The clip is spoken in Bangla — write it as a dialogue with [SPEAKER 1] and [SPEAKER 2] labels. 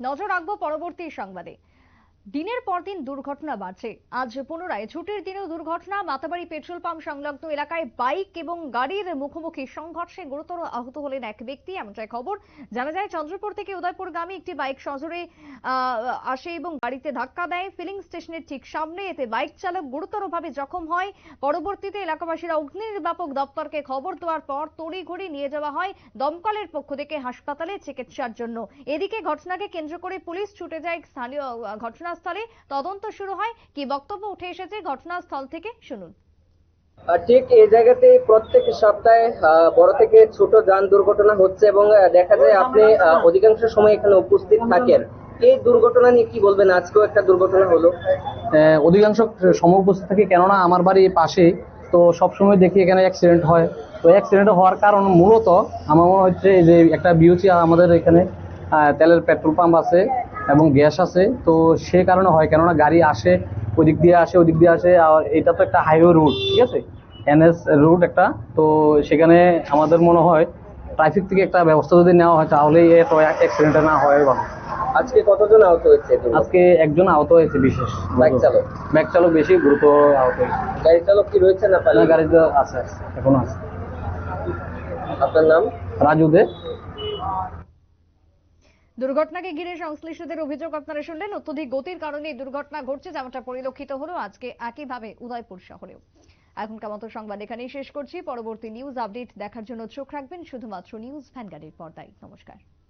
[SPEAKER 1] নজর রাখবো পরবর্তী সংবাদে। দিনের পর দিন দুর্ঘটনা বাড়ছে। আজ পুনরায় ছুটির দিনেও দুর্ঘটনা। মাতাবাড়ি পেট্রোল পাম্প সংলগ্ন এলাকায় বাইক এবং গাড়ির মুখোমুখি সংঘর্ষে গুরুতর আহত হলেন এক ব্যক্তি, এমনটাই খবর। জানা যায় চন্দ্রপুর থেকে উদয়পুরগামী একটি বাইক সজোরে আসে এবং গাড়িতে ধাক্কা দেয় ফিলিং স্টেশনের ঠিক সামনে। এতে বাইক চালক গুরুতরভাবে জখম হয়। পরবর্তীতে এলাকাবাসীরা অগ্নি নির্বাপক দপ্তরকে খবর দেওয়ার পর তড়িঘড়ি নিয়ে যাওয়া হয় দমকলের পক্ষ থেকে হাসপাতালে চিকিৎসার জন্য। এদিকে ঘটনাকে কেন্দ্র করে পুলিশ ছুটে যায় স্থানীয় ঘটনাস্থলে। তদন্ত শুরু হয়। কি বক্তব্য উঠে এসেছে ঘটনাস্থল থেকে শুনুন।
[SPEAKER 2] ঠিক এই জায়গাতে প্রত্যেক সপ্তাহে বড় থেকে ছোট যান দুর্ঘটনা হচ্ছে এবং দেখা যায় আপনি অধিকাংশ সময় এখানে উপস্থিত থাকেন। এই দুর্ঘটনা নিয়ে কি বলবেন? আজকেও একটা দুর্ঘটনা হলো।
[SPEAKER 3] অধিকাংশ সময় উপস্থিত থাকি, কেননা আমার বাড়ি পাশে, তো সবসময় দেখি এখানে অ্যাক্সিডেন্ট হয়। তো অ্যাক্সিডেন্ট হওয়ার কারণ মূলত আমার মনে হচ্ছে যে একটা বিওসি আমাদের এখানে তেলের পেট্রোল পাম্প আছে এবং গ্যাস আছে, তো সে কারণে হয়। কেননা গাড়ি আসে ওদিক দিয়ে আসে, আর এটা তো একটা হাইওয়ে রুট, ঠিক আছে, এনএস রুট একটা। তো সেখানে আমাদের মনে হয় ট্রাফিক থেকে একটা ব্যবস্থা যদি নেওয়া হয় তাহলে এত অ্যাক্সিডেন্ট না হয় ভালো।
[SPEAKER 2] আজকে কতজন আহত হয়েছে?
[SPEAKER 3] আজকে একজন আহত হয়েছে, বিশেষ বাইক চালক বেশি গুরুতর আহত হয়েছে।
[SPEAKER 2] গাড়ি চালক কি রয়েছে না?
[SPEAKER 3] গাড়িতে আছে, এখনো আছে।
[SPEAKER 2] আপনার নাম?
[SPEAKER 3] রাজু দে।
[SPEAKER 1] দুর্ঘটনাকে ঘিরে সংশ্লিষ্টদের অভিযোগ আপনারা শুনলেন। অত্যধিক গতির কারণে দুর্ঘটনা ঘটছে, যেমনটা পরিলক্ষিত হলো আজকে একইভাবে উদয়পুর শহরেও। এখনকার মতো সংবাদ এখানেই শেষ করছি। পরবর্তী নিউজ আপডেট দেখার জন্য চোখ রাখবেন শুধুমাত্র নিউজ ভ্যানগার্ডের পর্দায়। নমস্কার।